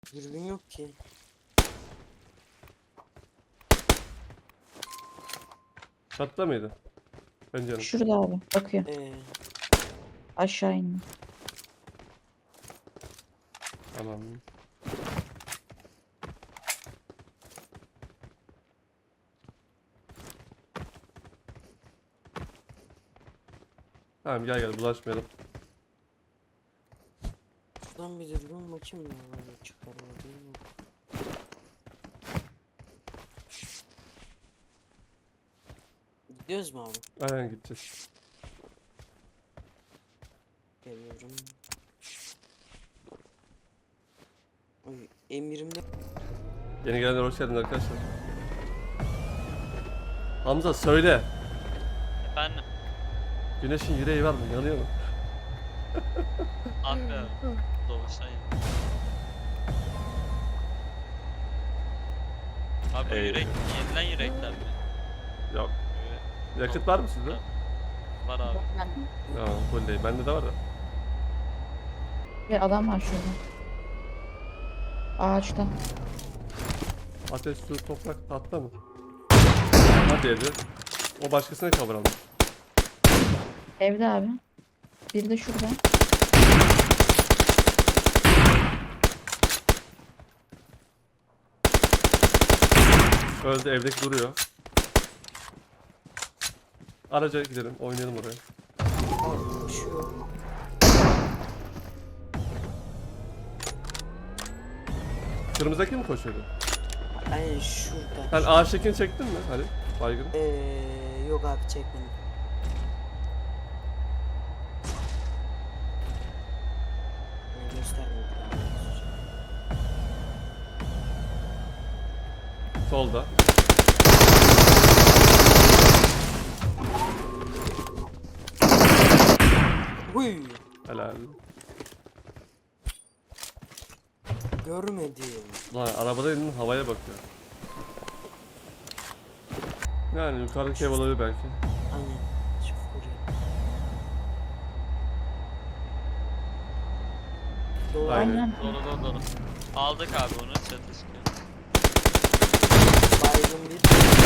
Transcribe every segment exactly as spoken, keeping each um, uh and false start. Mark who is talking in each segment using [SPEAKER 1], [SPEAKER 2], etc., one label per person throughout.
[SPEAKER 1] Dürbün yok ki.
[SPEAKER 2] Çatıda mıydı? Pencerenin.
[SPEAKER 3] Şurada abi. Bakıyor.
[SPEAKER 1] Ee,
[SPEAKER 3] Aşağı indi.
[SPEAKER 2] Tamam. Tamam gel gel bulaşmayalım.
[SPEAKER 1] şuradan bir dürbün bakayım ya. Böyle çıkarmadığım yok. Gidiyoruz mu abi?
[SPEAKER 2] Aynen gideceğiz.
[SPEAKER 1] Geliyorum. Oy, M yirmide
[SPEAKER 2] Yeni gelenler hoş geldiniz arkadaşlar. Hamza söyle.
[SPEAKER 4] Efendim,
[SPEAKER 2] Güneşin yüreği var mı? Yanıyor mu?
[SPEAKER 4] abi doğuştan. Abi
[SPEAKER 2] Ee,
[SPEAKER 4] yürek, yenilen yürekler mi?
[SPEAKER 2] Yok.
[SPEAKER 4] Böyle
[SPEAKER 2] Yakıt var mı sizde?
[SPEAKER 4] var abi.
[SPEAKER 2] Ya full değil. Bende de var da.
[SPEAKER 3] Bir adam var şurada. Ağaçta.
[SPEAKER 2] Ateş, su, toprak, tahta mı? Hadi Ece. O başkasına kavuralım.
[SPEAKER 3] Evde abi. Bir de şurada.
[SPEAKER 2] Öldü, evdeki duruyor. Araca gidelim, oynayalım oraya.
[SPEAKER 1] koşuyor.
[SPEAKER 2] Kırmızıdaki mi koşuyordu?
[SPEAKER 1] Aynen şurada.
[SPEAKER 2] Sen ağaçtakini çektin mi Halil? Baygın.
[SPEAKER 1] Ee, yok abi çekmedim. Ee, göstermedim abi.
[SPEAKER 2] Solda.
[SPEAKER 1] Huy!
[SPEAKER 2] Helal.
[SPEAKER 1] Görmedim.
[SPEAKER 2] Lan arabada elinin havaya bakıyor. Yani yukarıdaki ev olabilir belki.
[SPEAKER 1] Aynen. Şu furya. Doğru.
[SPEAKER 2] Aynen.
[SPEAKER 3] Aynen.
[SPEAKER 4] Dolu dolu dolu. Aldık abi onu, çatışkı.
[SPEAKER 1] Baygın bir.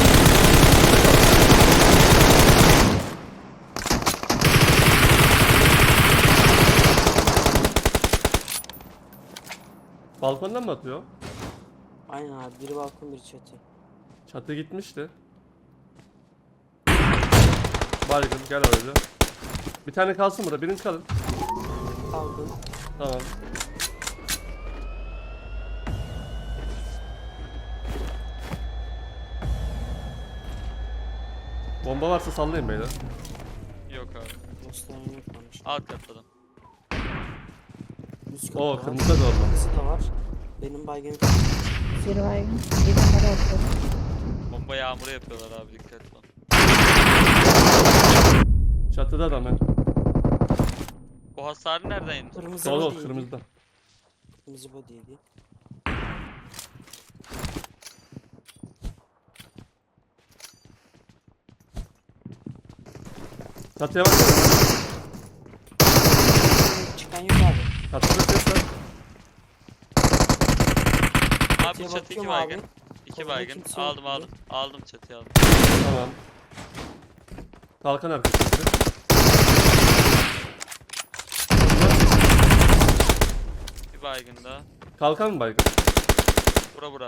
[SPEAKER 2] Balkondan mı atıyor?
[SPEAKER 1] Aynen abi. Biri balkon biri çatı.
[SPEAKER 2] Çatı gitmişti. Baygın gel oraya. Bir tane kalsın burada, birini kalın.
[SPEAKER 1] Aldım.
[SPEAKER 2] Tamam. Bomba varsa sallayın beyler.
[SPEAKER 4] Yok abi.
[SPEAKER 1] Gösteren yok varmış.
[SPEAKER 4] Alt katladım.
[SPEAKER 1] Üst katı
[SPEAKER 2] Oo
[SPEAKER 1] var.
[SPEAKER 2] kırmızı da olmaz.
[SPEAKER 1] Kırmızı da var. Benim baygın.
[SPEAKER 3] Bir baygın. Bir numara attı.
[SPEAKER 4] Bomba yağmuru yapıyorlar abi, dikkatli ol.
[SPEAKER 2] Çatıda da hemen.
[SPEAKER 4] O hasarı nereden indi?
[SPEAKER 1] Kırmızı
[SPEAKER 2] Sol ol
[SPEAKER 1] body'ydi.
[SPEAKER 2] kırmızıda.
[SPEAKER 1] Kırmızı body'ydi.
[SPEAKER 2] Çatıya bak.
[SPEAKER 1] Çıkan yok abi.
[SPEAKER 2] Çatıda ses var.
[SPEAKER 4] Abi
[SPEAKER 1] Çatıya
[SPEAKER 4] çatı iki
[SPEAKER 1] bakıyorum
[SPEAKER 4] baygın.
[SPEAKER 1] abi.
[SPEAKER 4] İki
[SPEAKER 1] Kolunda
[SPEAKER 4] baygın.
[SPEAKER 1] kimse yok
[SPEAKER 4] Aldım
[SPEAKER 1] gibi.
[SPEAKER 4] aldım. Aldım çatıyı aldım.
[SPEAKER 2] Tamam. Kalkan arkası.
[SPEAKER 4] Bir baygın daha.
[SPEAKER 2] Kalkan mı baygın?
[SPEAKER 4] Bura bura.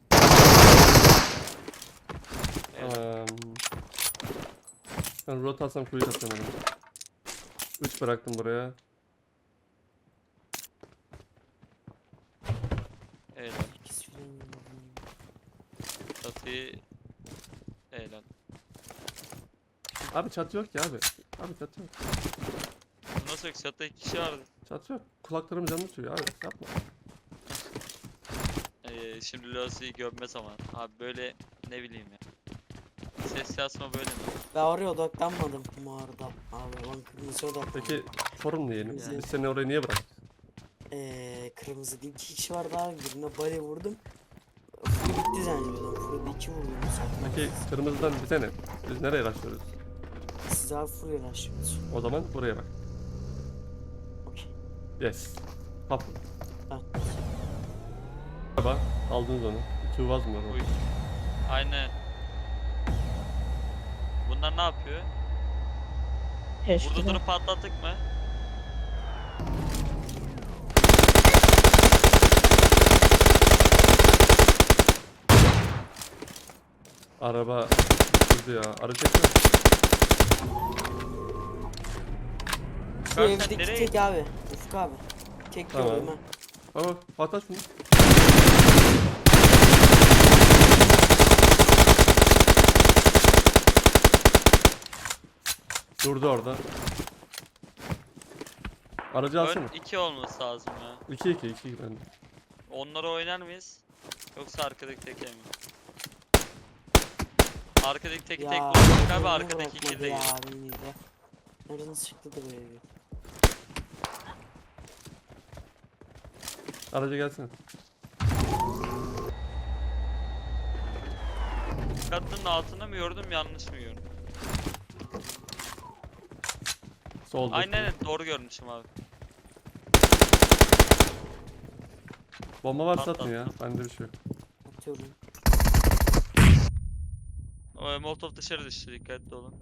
[SPEAKER 4] Evet.
[SPEAKER 2] Tamam. Ben rot alsam kuyu atıyorum. üç bıraktım buraya.
[SPEAKER 4] Eğlen.
[SPEAKER 1] İkisi falan yok.
[SPEAKER 4] Çatıyı eğlen.
[SPEAKER 2] Abi çatı yok ya abi. Abi çatı yok.
[SPEAKER 4] Nasıl yok? Çatıda iki kişi vardı.
[SPEAKER 2] Çatı yok. Kulaklarım canlı tutuyor abi. Yapma.
[SPEAKER 4] Ee, şimdi Losi'yi gömme zaman. Abi böyle ne bileyim ya. Ses yazma böyle mi?
[SPEAKER 1] Ben oraya odaklanmadım bu arada. Abi ben kırmızı odaklandım.
[SPEAKER 2] Peki sorun ne yiyelim?
[SPEAKER 1] Güzel.
[SPEAKER 2] Biz seni oraya niye bıraktık?
[SPEAKER 1] Eee kırmızı değil. İki kişi vardı abi. Birine bale vurdum. Full bitti zannediyordum. Full iki vurdum zaten.
[SPEAKER 2] Peki kırmızıdan bize ne? Biz nereye başlıyoruz?
[SPEAKER 1] Siz abi full yanaşıyorsunuz.
[SPEAKER 2] O zaman buraya bak.
[SPEAKER 1] Okey.
[SPEAKER 2] Yes. Hop.
[SPEAKER 1] Tamam.
[SPEAKER 2] Aldınız onu. İki uvaz mı var
[SPEAKER 4] Uy.
[SPEAKER 2] orada?
[SPEAKER 4] Aynen. Bunlar ne yapıyor? Burada
[SPEAKER 3] Teşkilat.
[SPEAKER 4] durup patlattık mı?
[SPEAKER 2] Araba durdu ya. Arı çekme.
[SPEAKER 1] Şu
[SPEAKER 4] Kanka sen
[SPEAKER 1] evdeki
[SPEAKER 4] nereye
[SPEAKER 1] tek abi. Ufuk abi. Tek
[SPEAKER 2] Tamam.
[SPEAKER 1] gördüm ha.
[SPEAKER 2] Baba patlat şunu. Durdu orada. Aracı alsana.
[SPEAKER 4] Ön iki olması lazım ya.
[SPEAKER 2] iki iki iki bende.
[SPEAKER 4] Onları oynar mıyız? Yoksa arkadaki teke mi? Arkadaki teki tek
[SPEAKER 1] Ya
[SPEAKER 4] vurduk abi,
[SPEAKER 1] beni
[SPEAKER 4] arkadaki
[SPEAKER 1] bırakmadı
[SPEAKER 4] iki de
[SPEAKER 1] ya
[SPEAKER 4] geliyor.
[SPEAKER 1] beni de. Nereden çıktı da böyle bir.
[SPEAKER 2] Araca gelsene.
[SPEAKER 4] Katlının altında mı gördüm, yanlış mı gördüm?
[SPEAKER 2] Solda.
[SPEAKER 4] Aynen evet, doğru görmüşüm abi.
[SPEAKER 2] Bomba varsa
[SPEAKER 4] Patlat.
[SPEAKER 2] atın ya. Bende bir şey yok.
[SPEAKER 1] Atıyorum.
[SPEAKER 4] O, Molotov dışarı düştü, dikkatli olun.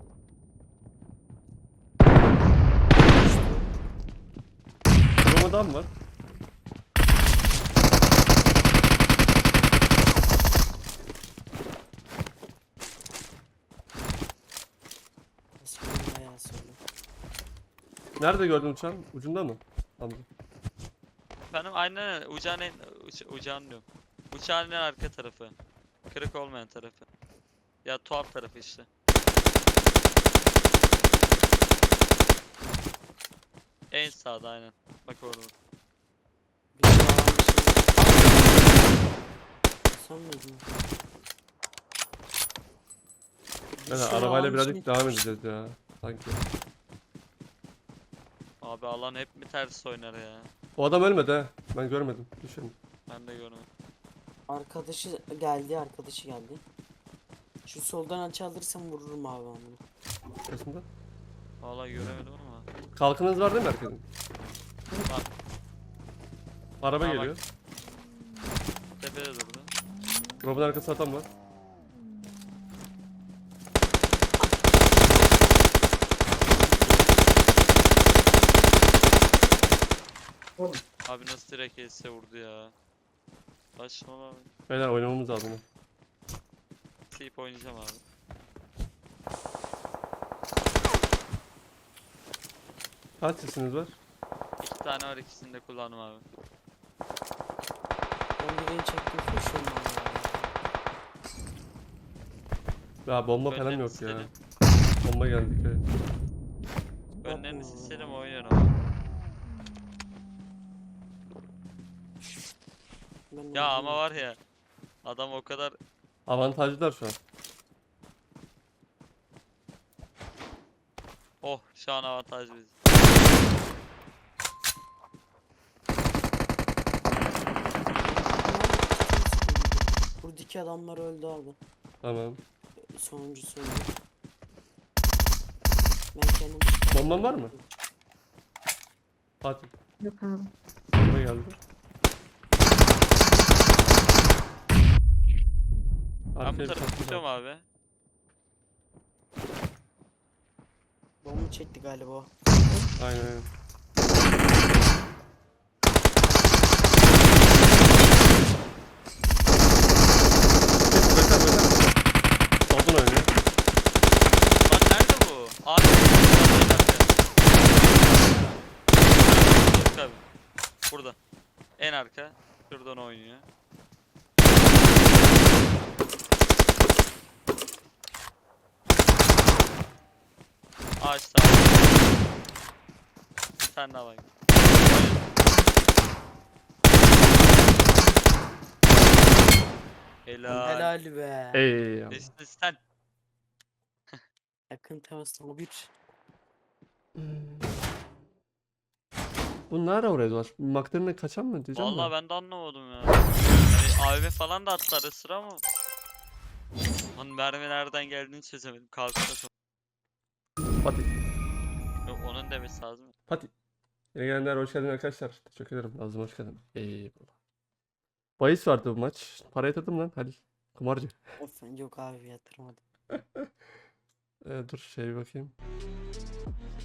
[SPEAKER 2] Bomba adam var.
[SPEAKER 1] Eskiden bayağı söyle.
[SPEAKER 2] Nerede gördün uçağın? Ucunda mı? Hamza.
[SPEAKER 4] Efendim aynen uçağın en... Uç, uçağın diyorum. Uçağın en arka tarafı. Kırık olmayan tarafı. Ya tuhaf tarafı işte. En sağda aynen. Bak orada.
[SPEAKER 1] Bir daha bir şey. Sen miydin? Bir
[SPEAKER 2] Yani
[SPEAKER 1] şey
[SPEAKER 2] arabayla
[SPEAKER 1] almış
[SPEAKER 2] birazcık
[SPEAKER 1] mı?
[SPEAKER 2] devam edeceğiz ya. Sanki.
[SPEAKER 4] Abi alan hep mi ters oynar ya?
[SPEAKER 2] O adam ölmedi ha. Ben görmedim. Düşün.
[SPEAKER 4] Ben de görmedim.
[SPEAKER 1] Arkadaşı geldi, arkadaşı geldi. Şu soldan açı alırsam vururum abi ben bunu.
[SPEAKER 2] Aslında.
[SPEAKER 4] Vallahi göremedim ama.
[SPEAKER 2] Kalkınız var değil mi herkesin?
[SPEAKER 4] Var.
[SPEAKER 2] Araba
[SPEAKER 4] Ha, bak.
[SPEAKER 2] geliyor.
[SPEAKER 4] Tepede durdu.
[SPEAKER 2] Robin arkası adam var.
[SPEAKER 4] Abi nasıl direkt else vurdu ya. Saçmalama.
[SPEAKER 2] Beyler oynamamız lazım.
[SPEAKER 4] Seyip oynayacağım abi.
[SPEAKER 2] Kaç sesiniz var?
[SPEAKER 4] İki tane var, ikisini de kullandım abi.
[SPEAKER 1] Ben birini çektim koşuyorum ben ya.
[SPEAKER 2] Ya bomba falan
[SPEAKER 4] Önlerini
[SPEAKER 2] yok ya.
[SPEAKER 4] silelim.
[SPEAKER 2] Bomba geldi dikkat edin.
[SPEAKER 4] Önlerini silselim oynuyorum abi.
[SPEAKER 1] Ben
[SPEAKER 4] Ya
[SPEAKER 1] öldüm.
[SPEAKER 4] ama var ya. Adam o kadar...
[SPEAKER 2] Avantajlılar şu an.
[SPEAKER 4] Oh şu an avantaj biz.
[SPEAKER 1] Buradaki adamlar öldü abi.
[SPEAKER 2] Tamam.
[SPEAKER 1] Sonuncusu öldü. Ben kendim...
[SPEAKER 2] Bomban var mı? Hadi.
[SPEAKER 3] Yok abi.
[SPEAKER 2] Bomba geldi.
[SPEAKER 4] Ben bu
[SPEAKER 2] Arkaya bir
[SPEAKER 4] tarafa
[SPEAKER 2] takım
[SPEAKER 4] tutuyorum
[SPEAKER 2] var.
[SPEAKER 4] abi.
[SPEAKER 1] Bomba çekti galiba o.
[SPEAKER 2] Aynen aynen. Bakar bakar. Soldan oynuyor.
[SPEAKER 4] Lan nerede bu? Abi. Dur abi. Burada. En arka. Şuradan oynuyor. Ağaçta. Bir tane daha var. Helal.
[SPEAKER 1] Helal be.
[SPEAKER 2] Ey Allah.
[SPEAKER 4] Nesli sen.
[SPEAKER 1] Yakın temas o bir.
[SPEAKER 2] Bu nerede oraya dolaş? Maktarına kaçan mı diyeceğim
[SPEAKER 4] Vallahi
[SPEAKER 2] de.
[SPEAKER 4] ben de anlamadım ya. Hani A V M falan da attı ara sıra ama. Lan mermi nereden geldiğini çözemedim. Kalkına sonra.
[SPEAKER 2] Fatih.
[SPEAKER 4] Yok, onun demesi lazım.
[SPEAKER 2] Fatih. Yeni gelenler hoş geldin arkadaşlar. Teşekkür ederim. Nazım hoş geldin. Eyvallah. Bahis vardı bu maç. Para yatırdım lan Halil. Kumarcı.
[SPEAKER 1] Of, yok abi yatırmadım.
[SPEAKER 2] Ee, dur şey bakayım.